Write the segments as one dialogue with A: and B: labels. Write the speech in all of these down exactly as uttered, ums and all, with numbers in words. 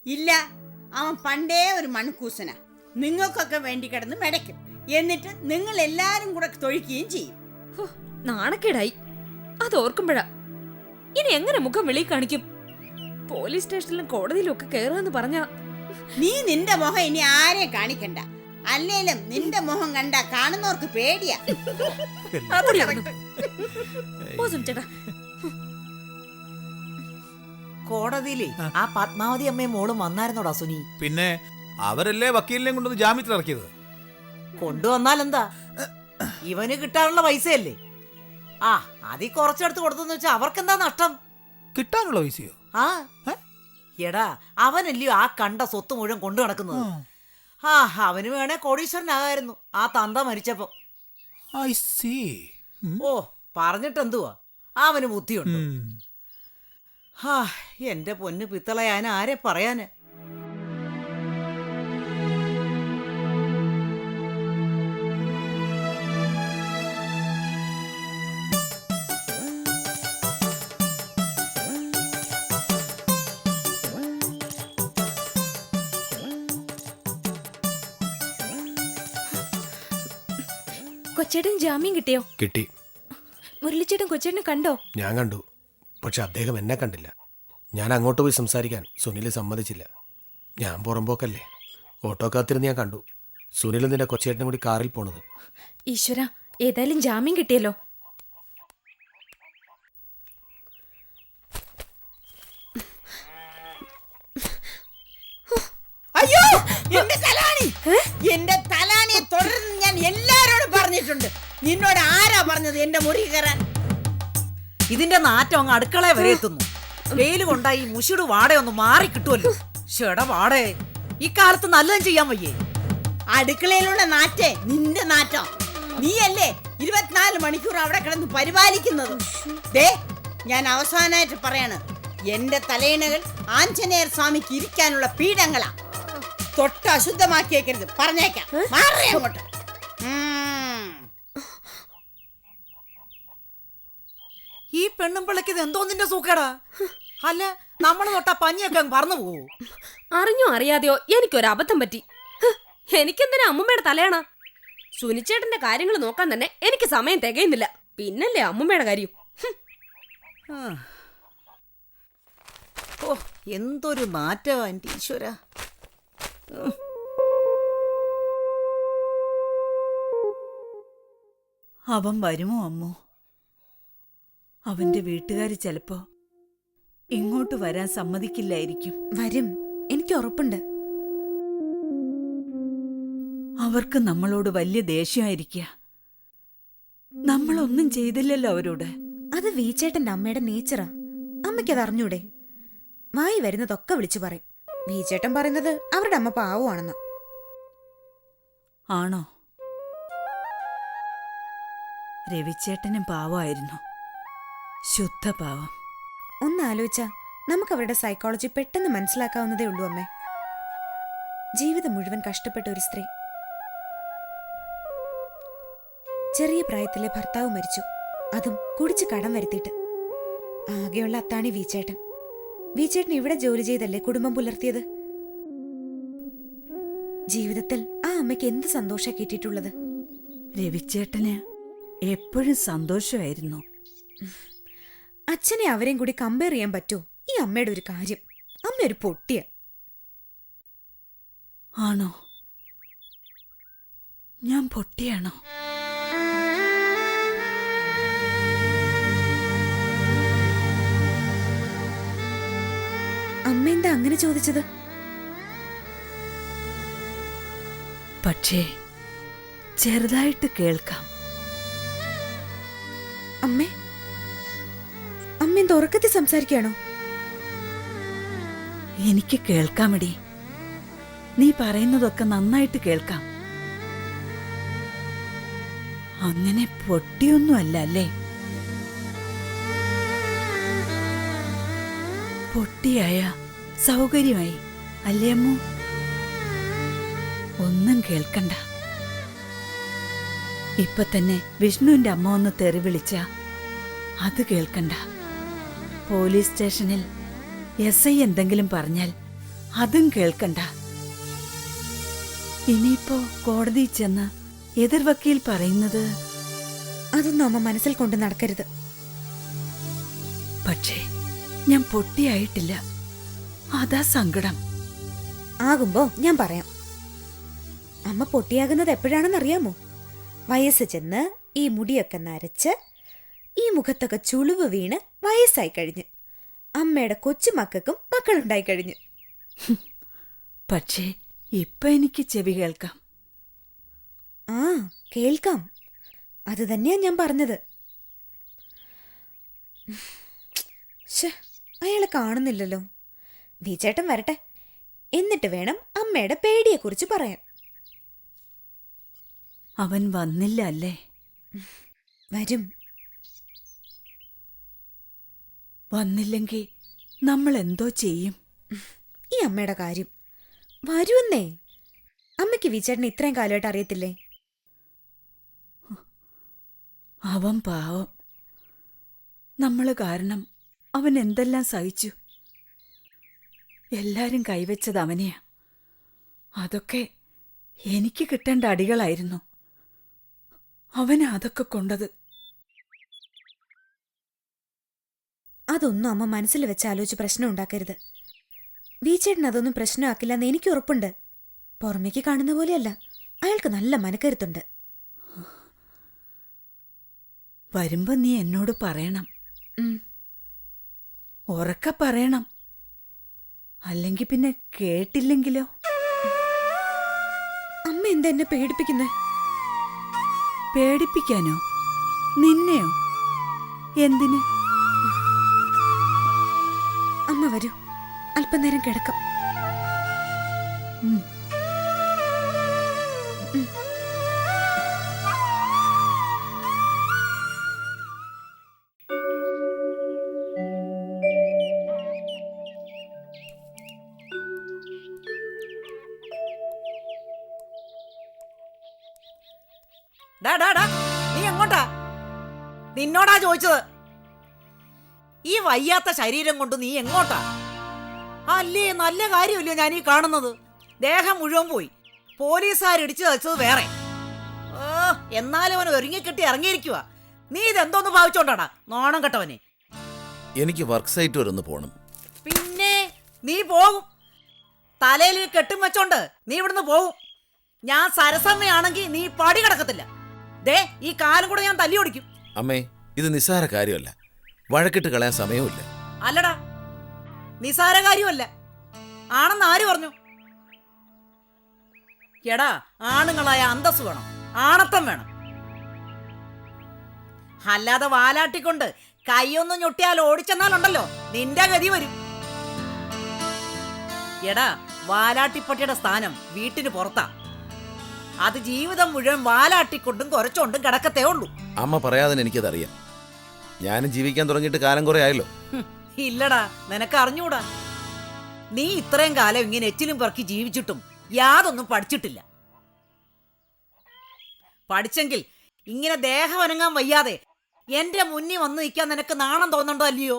A: ഇല്ല, അവൻ പണ്ടേ ഒരു മൺകൂസന. നിങ്ങൾക്കൊക്കെ വേണ്ടി കിടന്ന് മെടയ്ക്കും. എന്നിട്ട് നിങ്ങൾ എല്ലാരും കൂടെ തൊഴിക്കുകയും ചെയ്യും.
B: നാണക്കേടായി അത് ഓർക്കുമ്പോഴാ. ഇനി എങ്ങനെ മുഖം വെളി കാണിക്കും? പോലീസ് സ്റ്റേഷനിലും കോടതിയിലും ഒക്കെ കേറാന്ന് പറഞ്ഞ
A: നീ നിന്റെ മുഖം ഇനി ആരെ കാണിക്കണ്ട. അല്ലേലും നിന്റെ മുഖം കണ്ട കാണുന്നവർക്ക് പേടിയാ.
C: കോടതിയിലെ ആ പത്മാവതി അമ്മയും മോളും വന്നായിരുന്നോടാ സുനി?
D: പിന്നെ അവരല്ലേ വക്കീലിനെ കൊണ്ടൊന്ന് ജാമ്യത്തിൽ ഇറക്കിയത്.
C: കൊണ്ടുവന്നാൽ എന്താ, ഇവന് കിട്ടാനുള്ള പൈസയല്ലേ? ആ അതി കുറച്ചെടുത്ത് കൊടുത്തെന്ന് വെച്ചാ അവർക്കെന്താ നഷ്ടം?
D: കിട്ടാനുള്ള പൈസയോ?
C: ആ എടാ, അവനല്ലയോ ആ കണ്ട സ്വത്ത് മുഴുവൻ കൊണ്ടു നടക്കുന്നത്. ആ അവന് വേണേ കോടീശ്വരനാകായിരുന്നു ആ തന്ത മരിച്ചപ്പോ.
D: I see.
C: ഓ പറഞ്ഞിട്ടെന്തുവാ, അവന് ബുദ്ധിയുണ്ട്. ഹാ എന്റെ പൊന്നു പിത്തളയാൻ ആരെ പറയാന്.
B: കൊച്ചേട്ടൻ ജാമ്യം കിട്ടിയോ?
E: കിട്ടി.
B: മുരളിച്ചേട്ടൻ കൊച്ചേട്ടനെ കണ്ടോ?
E: ഞാൻ കണ്ടു, പക്ഷെ അദ്ദേഹം എന്നെ കണ്ടില്ല. ഞാൻ അങ്ങോട്ട് പോയി സംസാരിക്കാൻ സുനിൽ സമ്മതിച്ചില്ല. ഞാൻ പുറമ്പോക്കല്ലേ, ഓട്ടോ കാത്തിരുന്ന് ഞാൻ കണ്ടു സുനിൽ നിന്റെ കൊച്ചേട്ടനും കൂടി കാറിൽ പോണത്.
B: ഈശ്വര, ഏതായാലും ജാമ്യം കിട്ടിയല്ലോ.
A: അയ്യോ എന്റെ തലാണി, എന്റെ തലാണിയെ തുടർന്ന് ഞാൻ എല്ലാരോടും പറഞ്ഞിട്ടുണ്ട്. നിന്നോട് ആരാ പറഞ്ഞത് എന്റെ മുറി കയറാൻ?
C: ഇതിന്റെ നാറ്റം അങ്ങ് അടുക്കളയെ വരെ എത്തുന്നു. വെയിൽ കൊണ്ടാ ഈ മുഷിട് വാടയൊന്ന് മാറി കിട്ടുമല്ലോ. ഷെട വാടേ, ഇക്കാലത്ത് നല്ലതും ചെയ്യാൻ വയ്യേ.
A: അടുക്കളയിലുള്ള നാറ്റേ നിന്റെ നാറ്റം. നീയല്ലേ ഇരുപത്തിനാല് മണിക്കൂർ അവിടെ കിടന്ന് പരിപാലിക്കുന്നത്. ദേ ഞാൻ അവസാനമായിട്ട് പറയാണ്, എന്റെ തലയിണകൾ ആഞ്ജനേയർ സ്വാമിക്ക് ഇരിക്കാനുള്ള പീഠങ്ങളാ. തൊട്ട് അശുദ്ധമാക്കിയേക്കരുത്, പറഞ്ഞേക്കാം. മാറി അങ്ങോട്ട്.
C: ഈ പെണ്ണും പിള്ളക്ക് ഇത് എന്തോ നിന്റെ സൂക്കേടാ? അല്ല നമ്മൾ തൊട്ടാ പഞ്ഞിയൊക്കെ പറന്നു പോവൂ.
B: അറിഞ്ഞോ അറിയാതെയോ എനിക്കൊരു അബദ്ധം പറ്റി. എനിക്കെന്തിനാ അമ്മുമ്മയുടെ തലയാണ? സുനിച്ചേട്ടന്റെ കാര്യങ്ങൾ നോക്കാൻ തന്നെ എനിക്ക് സമയം തികയുന്നില്ല. പിന്നല്ലേ അമ്മുമ്മയുടെ കാര്യം.
C: ഓ എന്തൊരു നാറ്റമാ എൻ്റെ ഈശ്വര. അവൻ വരുമോ അമ്മോ? അവന്റെ വീട്ടുകാര് ചിലപ്പോ ഇങ്ങോട്ട് വരാൻ സമ്മതിക്കില്ലായിരിക്കും.
B: വരും, എനിക്ക് ഉറപ്പുണ്ട്.
C: അവർക്ക് നമ്മളോട് വലിയ ദേഷ്യമായിരിക്കുക. നമ്മളൊന്നും ചെയ്തില്ലല്ലോ അവരോട്.
F: അത് വീച്ചേട്ടന്റെ അമ്മയുടെ നേച്ചറാ. അമ്മയ്ക്കത് അറിഞ്ഞൂടെ? വായി വരുന്നതൊക്കെ വിളിച്ചു പറയും. വീച്ചേട്ടൻ പറയുന്നത് അവരുടെ അമ്മ പാവമാണെന്ന്.
C: ആണോ? രവിച്ചേട്ടനും പാവമായിരുന്നു, ശുദ്ധ പാവം.
F: ഒന്നാലോചിച്ചാ നമുക്ക് അവരുടെ സൈക്കോളജി പെട്ടെന്ന് മനസ്സിലാക്കാവുന്നതേ ഉള്ളൂ അമ്മേ. ജീവിതം മുഴുവൻ കഷ്ടപ്പെട്ട ഒരു സ്ത്രീ. ചെറിയ പ്രായത്തിലെ ഭർത്താവ് മരിച്ചു, അതും കുടിച്ച് കടം വരുത്തിയിട്ട്. ആകെയുള്ള അത്താണി വീച്ചേട്ടൻ. വീച്ചേട്ടൻ ഇവിടെ ജോലി ചെയ്തല്ലേ കുടുംബം പുലർത്തിയത്. ജീവിതത്തിൽ ആ അമ്മയ്ക്ക് എന്ത് സന്തോഷാ കിട്ടിയിട്ടുള്ളത്.
C: രവിച്ചേട്ടന് എപ്പോഴും സന്തോഷമായിരുന്നു.
F: അച്ഛനെ അവരെയും കൂടി കമ്പയർ ചെയ്യാൻ പറ്റുമോ? ഈ അമ്മയുടെ ഒരു കാര്യം, അമ്മ ഒരു പൊട്ടിയ.
C: ആണോ? ഞാൻ പൊട്ടിയാണോ?
F: അമ്മ എന്താ അങ്ങനെ ചോദിച്ചത്?
C: പക്ഷേ ചെറുതായിട്ട് കേൾക്കാം.
F: അമ്മേ, അമ്മ എന്താ ഉറക്കത്തിൽ സംസാരിക്കുകയാണോ?
C: എനിക്ക് കേൾക്കാമടി, നീ പറയുന്നതൊക്കെ നന്നായിട്ട് കേൾക്കാം. അങ്ങനെ പൊട്ടിയൊന്നുമല്ല അല്ലേ? പൊട്ടിയായ സൗകര്യമായി അല്ലേ അമ്മു? ഒന്നും കേൾക്കണ്ട. ഇപ്പൊ തന്നെ വിഷ്ണുവിന്റെ അമ്മ ഒന്ന് തെറി വിളിച്ച അത് കേൾക്കണ്ട. പോലീസ് സ്റ്റേഷനിൽ എസ് ഐ എന്തെങ്കിലും പറഞ്ഞാൽ
G: അതും കേൾക്കണ്ട. ഇനിയിപ്പോ കോടതി ചെന്ന് എതിർ വക്കീൽ പറയുന്നത്.
F: അതൊന്നും അമ്മ മനസ്സിൽ കൊണ്ട് നടക്കരുത്.
G: പക്ഷേ ഞാൻ പൊട്ടിയായിട്ടില്ല, അതാ സങ്കടം.
F: ആകുമ്പോ ഞാൻ പറയാം. അമ്മ പൊട്ടിയാകുന്നത് എപ്പോഴാണെന്നറിയാമോ? വയസ്സ് ചെന്ന് ഈ മുടിയൊക്കെ നരച്ച് ഈ മുഖത്തൊക്കെ ചുളിവ് വീണ് വയസ്സായി കഴിഞ്ഞ് അമ്മയുടെ കൊച്ചുമക്കൾക്കും മക്കളുണ്ടായി കഴിഞ്ഞു.
G: പക്ഷേ ഇപ്പൊ എനിക്ക് ചെവി കേൾക്കാം.
F: ആ കേൾക്കാം, അത് തന്നെയാ ഞാൻ പറഞ്ഞത്. ശ്ശെ, അയാളെ കാണുന്നില്ലല്ലോ. വിചേട്ടൻ വരട്ടെ, എന്നിട്ട് വേണം അമ്മയുടെ പേടിയെക്കുറിച്ച് പറയാൻ.
G: അവൻ വന്നില്ല അല്ലേ?
F: വരും.
G: വന്നില്ലെങ്കിൽ നമ്മൾ എന്തോ ചെയ്യും?
F: ഈ അമ്മയുടെ കാര്യം വരുമെന്നേ. അമ്മയ്ക്ക് വിചേട്ടനെ ഇത്രയും കാലമായിട്ട് അറിയത്തില്ലേ?
G: അവൻ പാവം. നമ്മള് കാരണം അവൻ എന്തെല്ലാം സഹിച്ചു. എല്ലാരും കൈവച്ചത് അവനെയാ. അതൊക്കെ എനിക്ക് കിട്ടേണ്ട അടികളായിരുന്നു. അവനാ അതൊക്കെ കൊണ്ടത്.
F: അതൊന്നും അമ്മ മനസ്സിൽ വെച്ച് ആലോചിച്ച് പ്രശ്നം ഉണ്ടാക്കരുത്. വീച്ചേട്ടൻ അതൊന്നും പ്രശ്നമാക്കില്ലെന്ന് എനിക്ക് ഉറപ്പുണ്ട്. പുറമേക്ക് കാണുന്ന പോലെയല്ല, അയാൾക്ക് നല്ല മനക്കരുത്തുണ്ട്.
G: വരുമ്പോ നീ എന്നോട് പറയണം.
F: ഉം.
G: ഉറക്ക പറയണം. അല്ലെങ്കിൽ പിന്നെ കേട്ടില്ലെങ്കിലോ?
F: അമ്മ എന്താ എന്നെ പേടിപ്പിക്കുന്നേ?
G: പേടിപ്പിക്കാനോ? നിന്നെയോ? എന്തിന്?
F: അമ്മ വരൂ, അല്പനേരം കിടക്കാം.
G: ഉം.
C: ഡാ ഡാ ഡാ, നീ എങ്ങോട്ടാ? നിന്നോടാ ചോദിച്ചത്. ഈ വയ്യാത്ത ശരീരം കൊണ്ട് നീ എങ്ങോട്ടാ? അല്ലേ, നല്ല കാര്യമല്ലോ ഞാൻ ഈ കാണുന്നത്. ദേഹം മുഴുവൻ പോയി, പോലീസുകാരിടിച്ചു തച്ചത് വേറെ. ഓ, എന്നാലും അവൻ ഒരുങ്ങിക്കെട്ടി ഇറങ്ങിയിരിക്കുക. നീ ഇതെന്തോന്ന് ഭാവിച്ചോണ്ടാടാ നോണം കെട്ടവനെ?
H: എനിക്ക് വർക്ക് സൈറ്റ് വരെ ഒന്ന് പോണം.
C: പിന്നെ നീ പോകും. തലയിൽ കെട്ടും വെച്ചോണ്ട് നീ ഇവിടുന്ന് പോകും. ഞാൻ സരസമ്മയാണെങ്കിൽ നീ പടി കിടക്കത്തില്ല. ദേ, ഈ കാലം കൂടെ ഞാൻ തല്ലി ഓടിക്കും.
H: അമ്മേ, ഇത് നിസ്സാര കാര്യമല്ല. വഴക്കിട്ട് കളയാൻ സമയവുമില്ല.
C: അല്ലടാ, നിസാര കാര്യമല്ല. ആണെന്ന് ആര് പറഞ്ഞു? എടാ, ആണുങ്ങളായ അന്തസ് വേണം, ആണത്തം വേണം. അല്ലാതെ വാലാട്ടിക്കൊണ്ട് കൈയൊന്നും ഞൊട്ടിയാൽ ഓടിച്ചെന്നാലുണ്ടല്ലോ നിന്റെ ഗതി വരും. എടാ, വാലാട്ടിപ്പട്ടിയുടെ സ്ഥാനം വീട്ടിന് പുറത്താ. അത് ജീവിതം മുഴുവൻ വാലാട്ടിക്കൊണ്ടും കുറച്ചോണ്ടും കിടക്കത്തേ ഉള്ളൂ.
H: അമ്മ പറയാതെ എനിക്കതറിയാം. ഞാനും ജീവിക്കാൻ തുടങ്ങിയിട്ട് കാലം കുറെ ആയല്ലോ.
C: ഹും, ഇല്ലടാ, നിനക്ക് അറിഞ്ഞൂടാ. നീ ഇത്രയും കാലം ഇങ്ങനെ എച്ചിലും പെറുക്കി ജീവിച്ചിട്ടും യാതൊന്നും പഠിച്ചിട്ടില്ല. പഠിച്ചെങ്കിൽ ഇങ്ങനെ ദേഹം അനങ്ങാൻ വയ്യാതെ എന്റെ മുന്നിൽ വന്ന് നിൽക്കാൻ നിനക്ക് നാണം തോന്നണ്ടോ അല്ലയോ?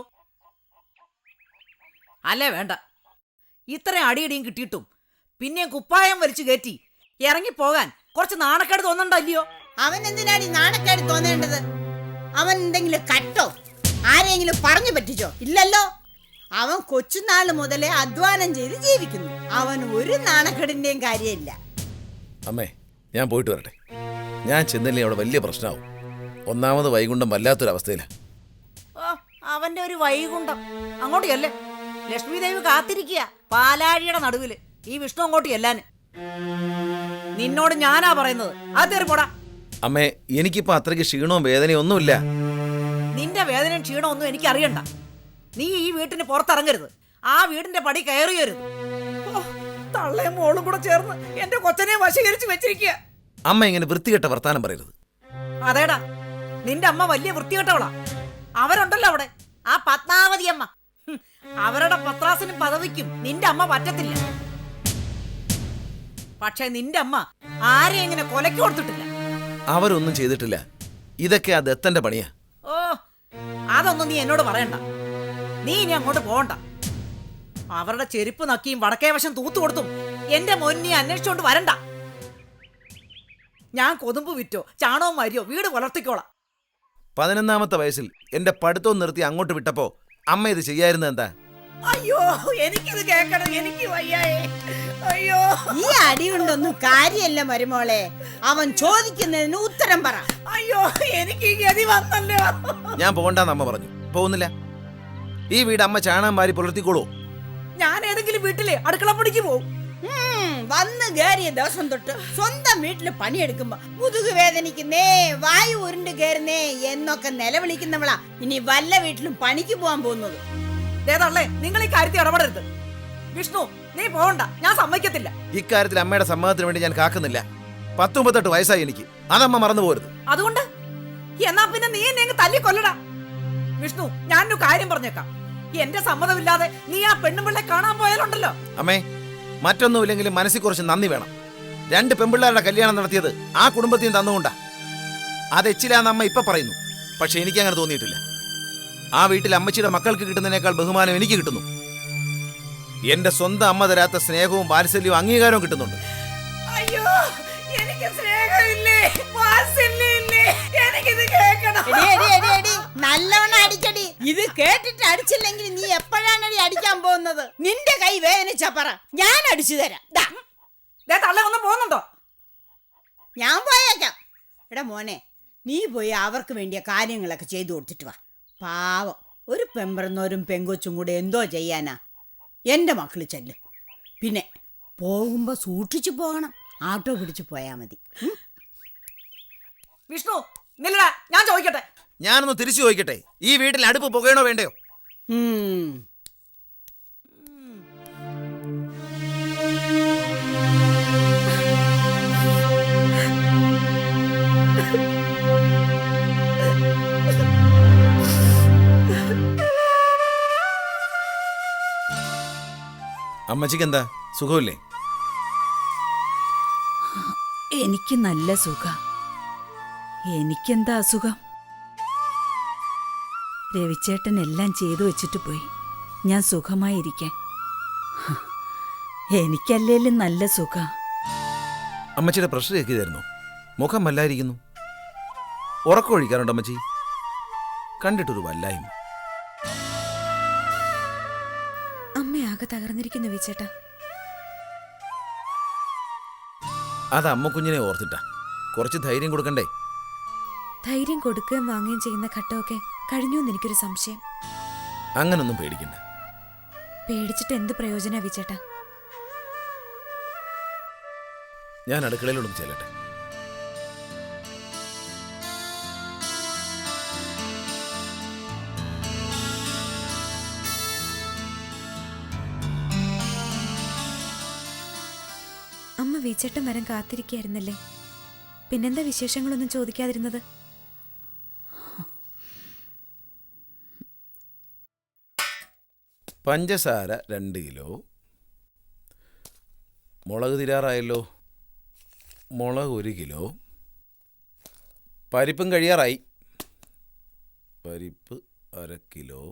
C: അല്ലേ വേണ്ട. ഇത്രയും അടിയടിയും കിട്ടിയിട്ടും പിന്നെ കുപ്പായം വലിച്ചു കയറ്റി ഇറങ്ങിപ്പോകാൻ കുറച്ച് നാണക്കേട് തോന്നണ്ടോ അല്ലയോ?
A: അവൻ എന്തിനാണ് ഈ നാണക്കേട് തോന്നേണ്ടത്? അവൻ എന്തെങ്കിലും കട്ടോ ആരെങ്കിലും പറഞ്ഞു പറ്റിച്ചോ? ഇല്ലല്ലോ. അവൻ കൊച്ചുനാള് മുതലേ അധ്വാനം ചെയ്ത് ജീവിക്കുന്നു. അവൻ ഒരു നാണക്കേടിന്റെയും കാര്യമില്ല.
H: അമ്മേ, ഞാൻ പോയിട്ട് വരട്ടെ. ഞാൻ ചെന്നില്ലേ അവിടെ വലിയ പ്രശ്നമാവും. ഒന്നാമത് വൈകുണ്ഠം വല്ലാത്തൊരവസ്ഥയിലാ.
C: ഓ, അവന്റെ ഒരു വൈകുണ്ഠം അങ്ങോട്ട് ചെല്ലേ. ലക്ഷ്മി ദേവി കാത്തിരിക്കുക പാലാഴിയുടെ നടുവില് ഈ വിഷ്ണു അങ്ങോട്ട് ചെല്ലാന്. നിന്നോട് ഞാനാ പറയുന്നത്, അത് പോടാ.
H: അമ്മേ, എനിക്കിപ്പോ അത്രയ്ക്ക് ക്ഷീണവും വേദനയും ഒന്നുമില്ല.
C: നിന്റെ വേദനയും ക്ഷീണമൊന്നും എനിക്ക് അറിയണ്ട. നീ ഈ വീട്ടിന് പുറത്തിറങ്ങരുത്, ആ വീടിന്റെ പടി കയറിയരുത്. തള്ളയും മോളും കൂടെ ചേർന്ന് എന്റെ കൊച്ചനെ വശീകരിച്ച് വെച്ചിരിക്കുക.
H: അമ്മ ഇങ്ങനെ വൃത്തികെട്ട വർത്താനം പറയരുത്.
C: അതേടാ, നിന്റെ അമ്മ വലിയ വൃത്തികെട്ടവളാ. അവരുണ്ടല്ലോ അവിടെ, ആ പത്മാവതി അമ്മ. ഹും, അവരുടെ പത്രാസിനും പദവിക്കും നിന്റെ അമ്മ പറ്റത്തില്ല. പക്ഷെ നിന്റെ അമ്മ ആരെ ഇങ്ങനെ കൊലക്ക് കൊടുത്തിട്ടില്ല.
H: അവരൊന്നും ചെയ്തിട്ടില്ല. ഇതൊക്കെ ആ ദത്തന്റെ പണിയാ.
C: ഓ, അതൊന്നും നീ എന്നോട് പറയണ്ട. നീ ഇനി അങ്ങോട്ട് പോകണ്ട. അവരുടെ ചെരുപ്പ് നക്കിയും വടക്കേ വശം തൂത്തു കൊടുത്തും എന്റെ മോനെ അന്വേഷിച്ചോണ്ട് വരണ്ട. ഞാൻ കൊതുമ്പ് വിറ്റോ ചാണവും മരിയോ വീട് വളർത്തിക്കോളാം.
H: പതിനൊന്നാമത്തെ വയസ്സിൽ എന്റെ പഠിത്തവും നിർത്തി അങ്ങോട്ട് വിട്ടപ്പോ അമ്മ ഇത് ചെയ്യായിരുന്നത് എന്താ?
C: അയ്യോ എനിക്കിത് കേക്കണം, എനിക്ക് വയ്യായേ. അയ്യോ
A: ഈ അടി കൊണ്ടൊന്നും കാര്യമല്ല മരുമോളെ. അവൻ ചോദിക്കുന്നതിന് ഉത്തരം പറ.
C: അയ്യോ എനിക്ക് ഈ ഗതി വന്നല്ലോ.
H: ഞാൻ പോകണ്ടെന്ന് അമ്മ പറഞ്ഞു. പോകുന്നില്ല. ഈ വീട് അമ്മ ചാണകം വാരി പുലർത്തിക്കോളൂ.
C: ഞാൻ ഏതെങ്കിലും വീട്ടിലെ അടുക്കളപ്പണിക്ക് പോവും.
A: ഉം, വന്ന് കയറിയ ദിവസം തൊട്ട് സ്വന്തം വീട്ടില് പണിയെടുക്കുമ്പോ മുതുക് വേദനിക്കുന്നേ, വായു ഉരുണ്ട് കയറുന്നേ എന്നൊക്കെ നിലവിളിക്കുന്നവളാ ഇനി വല്ല വീട്ടിലും പണിക്ക് പോവാൻ പോകുന്നത്.
C: േതള്ളേ നിങ്ങൾ ഈ കാര്യത്തിൽ ഇടപെടരുത്. വിഷ്ണു നീ പോകണ്ട, ഞാൻ സമ്മതിക്കത്തില്ല.
H: ഇക്കാര്യത്തിൽ അമ്മയുടെ സമ്മതത്തിന് വേണ്ടി ഞാൻ കാക്കുന്നില്ല. പത്തൊമ്പത്തെട്ട് വയസ്സായി എനിക്ക്. അതമ്മ മറന്നു പോരുത്.
C: അതുകൊണ്ട് എന്നാ പിന്നെ നീ എന്നെ തല്ലി കൊല്ലടാ. വിഷ്ണു ഞാനൊരു കാര്യം പറഞ്ഞേക്കാം. എന്റെ സമ്മതമില്ലാതെ നീ ആ പെണ്ണുപിള്ളെ കാണാൻ പോയാലുണ്ടല്ലോ.
H: അമ്മേ, മറ്റൊന്നുമില്ലെങ്കിലും മനസ്സിൽ കുറച്ച് നന്ദി വേണം. രണ്ട് പെൺപിള്ളേരുടെ കല്യാണം നടത്തിയത് ആ കുടുംബത്തിന് തന്നുകൊണ്ടാ. അത് എച്ചിലാന്ന് അമ്മ ഇപ്പൊ പറയുന്നു. പക്ഷെ എനിക്ക് അങ്ങനെ തോന്നിയിട്ടില്ല. ആ വീട്ടിൽ അമ്മച്ചിയുടെ മക്കൾക്ക് കിട്ടുന്നതിനേക്കാൾ ബഹുമാനം എനിക്ക് കിട്ടുന്നു. എന്റെ സ്വന്തം അമ്മ തരാത്ത സ്നേഹവും വാത്സല്യവും അംഗീകാരവും കിട്ടുന്നുണ്ട്.
C: അയ്യോ എനിക്ക് സ്നേഹമില്ലേ, വാത്സല്യമില്ലേ, എനിക്കിത് കേൾക്കണം.
A: എടി, എടി, എടി, എടി, നല്ലവണ്ണം അടിക്കടി. ഇത് കേട്ടിട്ട് അടിച്ചില്ലെങ്കിൽ നീ എപ്പോഴാണ് അടിക്കാൻ പോകുന്നത്? നിന്റെ കൈ വേദനിച്ചാ പറ, ഞാൻ അടിച്ചു തരാം. ദാ,
C: ദേ തള്ള ഒന്ന് പോകുന്നുണ്ടോ?
A: ഞാൻ പോയേക്കാം. എടാ മോനെ, നീ പോയി അവർക്ക് വേണ്ടിയ കാര്യങ്ങളൊക്കെ ചെയ്തു കൊടുത്തിട്ട് വാ. പാവം, ഒരു പെമ്പറന്നോരും പെങ്കൊച്ചും കൂടെ എന്തോ ചെയ്യാനാ. എൻ്റെ മക്കള് ചെല്ല്. പിന്നെ പോകുമ്പോ സൂക്ഷിച്ചു പോകണം. ആട്ടോ പിടിച്ചു പോയാ മതി.
C: വിഷ്ണു നില്ലടാ, ഞാൻ ചോദിക്കട്ടെ.
H: ഞാനൊന്ന് തിരിച്ചു ചോദിക്കട്ടെ, ഈ വീട്ടിൽ അടുപ്പ് പുകയണോ വേണ്ടയോ?
A: ഉം.
H: അമ്മച്ചിക്ക് എന്താ സുഖമില്ലേ?
G: എനിക്ക് നല്ല സുഖം. എനിക്കെന്താ അസുഖം? രവിച്ചേട്ടൻ എല്ലാം ചെയ്തു വെച്ചിട്ട് പോയി. ഞാൻ സുഖമായിരിക്കാൻ. എനിക്കല്ലേലും നല്ല സുഖം.
H: അമ്മച്ചിയുടെ പ്രഷർ കേൾക്കിയതായിരുന്നു. മുഖം വല്ലായിരിക്കുന്നു. ഉറക്കം ഒഴിക്കാറുണ്ട് അമ്മച്ചി? കണ്ടിട്ടൊരു വല്ലായ്മ.
F: അമ്മയാകെ തകർന്നിരിക്കുന്നു വിച്ചേട്ടാ.
H: അത് അമ്മ കുഞ്ഞിനെ ഓർത്തിട്ടാ. കുറച്ച് ധൈര്യം കൊടുക്കണ്ടേ?
F: ധൈര്യം കൊടുക്കുകയും വാങ്ങുകയും ചെയ്യുന്ന ഘട്ടമൊക്കെ കഴിഞ്ഞുവെന്ന് എനിക്കൊരു സംശയം.
H: അങ്ങനൊന്നും പേടിക്കണ്ട.
F: പേടിച്ചിട്ട് എന്ത് പ്രയോജന വിച്ചേട്ടാ?
H: ഞാൻ അടുക്കളയിലൊന്നും ചെല്ലട്ടെ.
F: അമ്മ വിച്ചേട്ടൻ വരാൻ കാത്തിരിക്കായിരുന്നല്ലേ? പിന്നെന്താ വിശേഷങ്ങളൊന്നും ചോദിക്കാതിരുന്നത്?
H: പഞ്ചസാര രണ്ട് കിലോ. മുളക് തിരാറായല്ലോ. മുളക് ഒരു കിലോ. പരിപ്പും കഴിയാറായി. പരിപ്പ് അര കിലോ.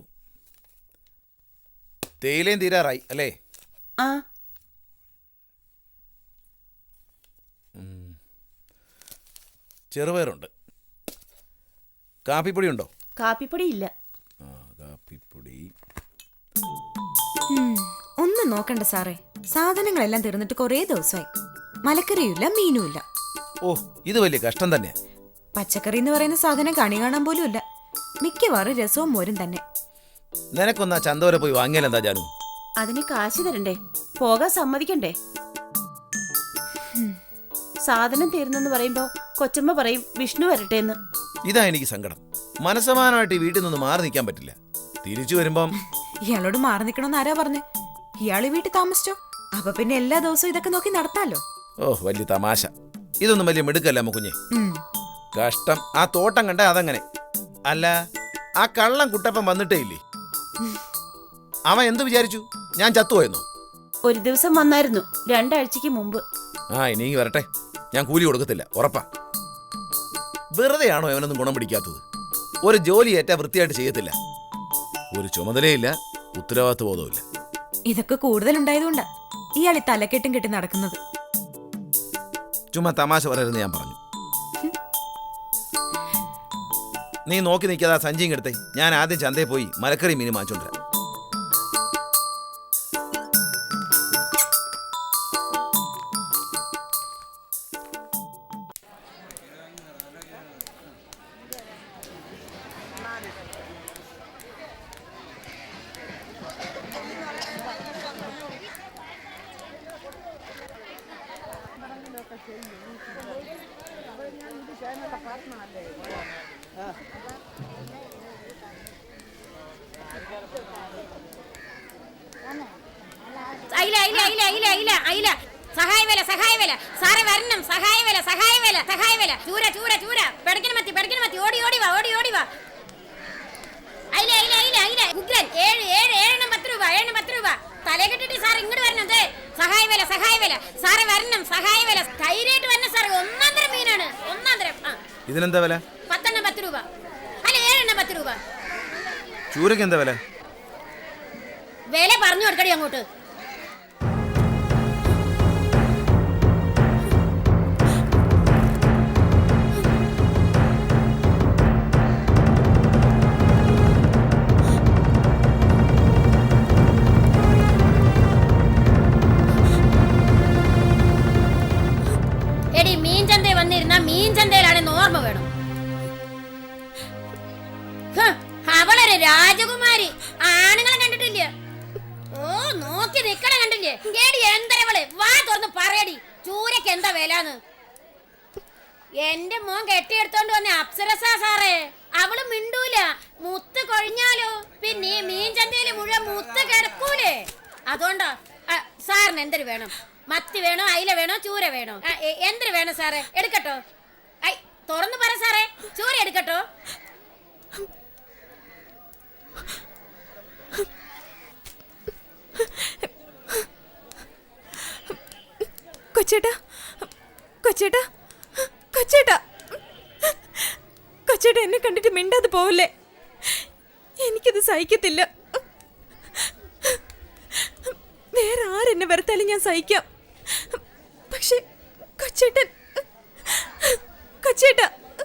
H: തേയിലയും തീരാറായി അല്ലേ?
A: ആ,
H: ചെറുപയറുണ്ട്. കാപ്പിപ്പൊടി ഉണ്ടോ?
B: കാപ്പിപ്പൊടി ഇല്ല.
H: ആ, കാപ്പിപ്പൊടി.
F: ഒന്നും നോക്കണ്ട സാറേ, സാധനങ്ങളെല്ലാം തീർന്നിട്ട് കുറേ ദിവസമായി. മലക്കറിയുമില്ല, മീനുമില്ല.
H: ഓ, ഇത് വലിയ കഷ്ടം തന്നെയാ.
F: പച്ചക്കറി എന്ന് പറയുന്ന സാധനം കണി കാണാൻ പോലും ഇല്ല. മിക്കവാറും രസവും മോരും തന്നെ.
H: നിനക്കൊന്നാ ചന്ത വരെ പോയി വാങ്ങിയാലെന്താ ജാനു?
B: അതിന് കാശ് തരണ്ടേ? പോകാൻ സമ്മതിക്കണ്ടേ? സാധനം തീർന്നെന്ന് പറയുമ്പോ കൊച്ചമ്മ പറയും വിഷ്ണു വരട്ടെ എന്ന്.
H: ഇതാ എനിക്ക് സങ്കടം. മനസ്സമാനമായിട്ട് ഈ വീട്ടിൽ നിന്ന് മാറി നിൽക്കാൻ പറ്റില്ല. തിരിച്ചു വരുമ്പം
F: ഇയാളോട് മാറി നിൽക്കണമെന്ന് ആരാ പറഞ്ഞേ? ഇയാള് വീട്ടിൽ താമസിച്ചോ? അപ്പൊ പിന്നെ എല്ലാ ദിവസവും ഇതൊക്കെ നോക്കി നടത്താലോ.
H: ഓ, വലിയ തമാശ. ഇതൊന്നും വലിയ മിടുക്കല്ല മുക്കുഞ്ഞെ.
F: ഉം.
H: കഷ്ടം. ആ തോട്ടം കണ്ട അതങ്ങനെ. അല്ല, ആ കള്ളം കുട്ടപ്പൻ വന്നിട്ടേ ഇല്ലേ? അവൻ എന്ത് വിചാരിച്ചു? ഞാൻ ചത്തുപോയെന്നോ?
B: ഒരു ദിവസം വന്നായിരുന്നു, രണ്ടാഴ്ചക്ക് മുമ്പ്.
H: ആ, ഇനി വരട്ടെ. ഞാൻ കൂലി കൊടുക്കത്തില്ല, ഉറപ്പാ. വെറുതെയാണോ അവനൊന്നും ഗുണം പിടിക്കാത്തത്? ഒരു ജോലി ഏറ്റാ വൃത്തിയായിട്ട് ചെയ്യത്തില്ല. ഒരു ചുമതലയില്ല, ഉത്തരവാദിത്വ ബോധമില്ല.
F: ഇതൊക്കെ കൂടുതലുണ്ടായതുകൊണ്ടാ ഇയാൾ ഈ തലക്കെട്ടും കെട്ടി നടക്കുന്നത്.
H: ചുമ്മാ തമാശ പറയരുന്ന് ഞാൻ പറഞ്ഞു. നീ നോക്കി നിൽക്കാതെ ആ സഞ്ചിയും എടുത്തേ. ഞാൻ ആദ്യം ചന്തയിൽ പോയി മലക്കറി മീൻ വാങ്ങിച്ചോണ്ടിരാം.
I: അയില അയില അയില അയില അയില അയില സഹായ വേല സഹായ വേല സാറേ വരണം സഹായ വേല സഹായ വേല സഹായ വേല ചൂര ചൂര ചൂര പെടക്കിന് മത്തി പെടക്കിന് മത്തി ഓടി ഓടി വാ ഓടി ഓടി വാ അയില അയില അയില അയില ഉഗ്രൻ ഏഴ് ഏഴ് ഏഴെണ്ണം പത്ത് രൂപ ഏഴെണ്ണം പത്ത് രൂപ തലേ കെട്ടിട്ട് സാർ ഇങ്ങോട്ട് വരണം. അതെ സഹായ വേല സഹായ വേല സാറേ വരണം സഹായ വേല ധൈര്യമായിട്ട് വരണം സാറേ. ഒന്നാം തരം മീനാണ് ഒന്നാം തരം. ആ
H: ഇതിനെന്താ വില?
I: പത്തെണ്ണം പത്ത് രൂപ അല്ല ഏഴെണ്ണം പത്ത് രൂപ.
H: ചൂരക്ക് എന്താ വില?
I: വില പറഞ്ഞു കൊടുക്കടി അങ്ങോട്ട്. എടി മീൻ ചന്തയിൽ വന്നിരുന്ന മീൻ ചന്തയിലാണെന്ന് ഓർമ്മ വേണം. ഹ്, അവളൊരു രാജകുമാരി. ആണുങ്ങളെ കണ്ടിട്ടില്ല. ഓ നോക്കി നിക്കണ കണ്ടില്ലേ? എടി എന്തരവള് വാ തുറന്ന് പറയടി ചൂരക്ക് എന്താ വിലാന്ന്. എന്റെ മോൻ കെട്ടിയെടുത്തോണ്ട് വന്ന അപ്സരസ സാറേ. അവള് മിണ്ടൂല. മുത്ത് കൊഴിഞ്ഞാലോ പിന്നെ മീൻ ചന്തയില് മുഴുവൻ മുത്ത് കിടക്കൂലേ. അതുകൊണ്ടാ സാറിന് എന്തൊരു വേണം? മത്തി വേണോ അയില വേണോ ചൂര വേണോ? എന്തൊരു വേണം സാറേ? എടുക്കട്ടോ? ഐ തുറന്നു പറ സാറേ. ചൂര എടുക്കട്ടോ?
F: കൊച്ചേട്ടാ കൊച്ചേട്ടാ കൊച്ചേട്ടാ കൊച്ചേട്ടാ എന്നെ കണ്ടിട്ട് മിണ്ടാതെ പോവല്ലേ. എനിക്കത് സഹിക്കത്തില്ല. വേറെ ആരെന്നെ വെറുത്താലും ഞാൻ സഹിക്കാം. പക്ഷെ കൊച്ചേട്ടൻ കൊച്ചേട്ടാ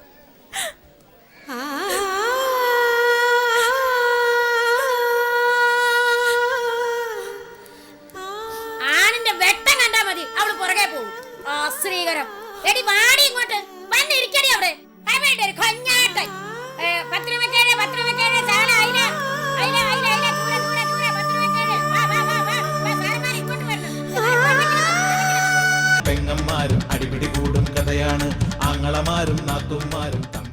I: ആണിന്റെ വെട്ടം കണ്ടാ മതി അവള് പുറകെ പോകും. ശ്രീകരം എടി വാടി ഇങ്ങോട്ട് വന്നിരിക്കടി അവിടെ. അവളുടെ ഒരു കൊഞ്ഞാട്ടൻ. പത്ത് രൂപക്കേഴ് പത്ത് രൂപക്കേഴ് ചാള അയില അയില അയില അയില ചൂര ചൂര ചൂര പത്ത് രൂപക്കേഴ്. വാ വാ വാ വാ സാറന്മാർ ഇങ്ങോട്ട് വരണം.
J: പെങ്ങന്മാരും അടിപിടി കൂടും കഥയാണ്. ആങ്ങളമാരും നാത്തുമാരും